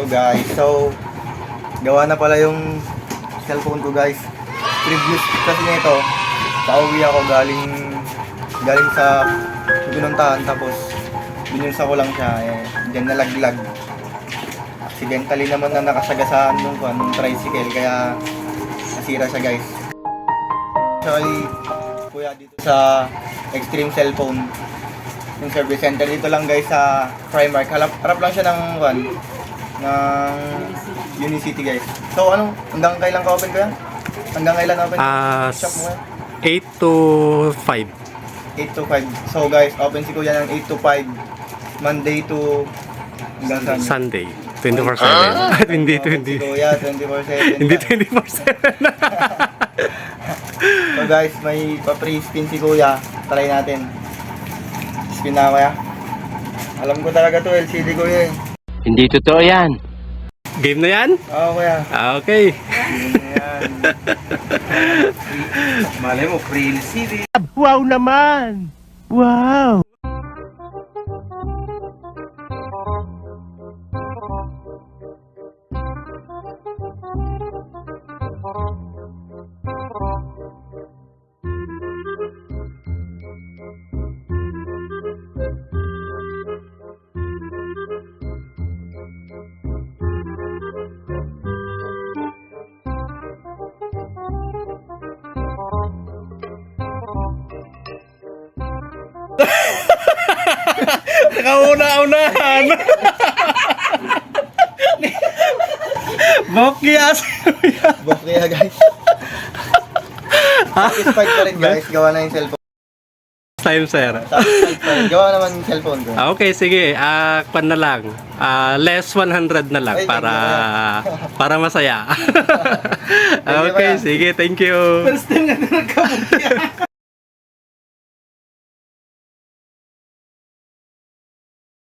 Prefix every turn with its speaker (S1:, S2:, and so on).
S1: Hello guys, so gawa na pala yung cellphone ko guys. Previous kasi nito, pauwi ako galing sa pinuntahan, tapos binunsa ko lang siya, dyan nalaglag. Accidentally naman na nakasagasaan nung tricycle, kaya nasira siya guys. Actually, kuya dito sa Extreme Cellphone, yung service center dito lang guys sa Primark. Harap lang siya ng Unicity guys. So hanggang kailan ka open kuya? Hanggang kailan open shop mo?
S2: 8 to 5.
S1: 8 to 5. So guys, open si kuya ng 8 to 5. Monday to hanggang
S2: Sunday. 24/7. Hindi,
S1: Si kuya, 24/7.
S2: Hindi 24/7.
S1: So guys, may pa-free spin si kuya. Try natin. Spin na kuya. Alam ko talaga to, LCD kuya eh.
S3: Hindi totoo yan.
S2: Game na yan?
S1: Oo kuya.
S2: Okay.
S1: Yan. Malay mo, free LCD.
S3: Wow naman! Wow!
S2: Nakauna-unahan. Bokyas.
S1: Buff kaya guys. Satisfied pa rin guys, gawa na yung cellphone.
S2: Time, sir.
S1: Satisfied pa rin, gawa naman yung cellphone ko.
S2: Okay, sige. Kwan na lang. Less 100 na lang
S1: Ay,
S2: para masaya. Okay, sige. Thank you.
S1: First time na nagkamot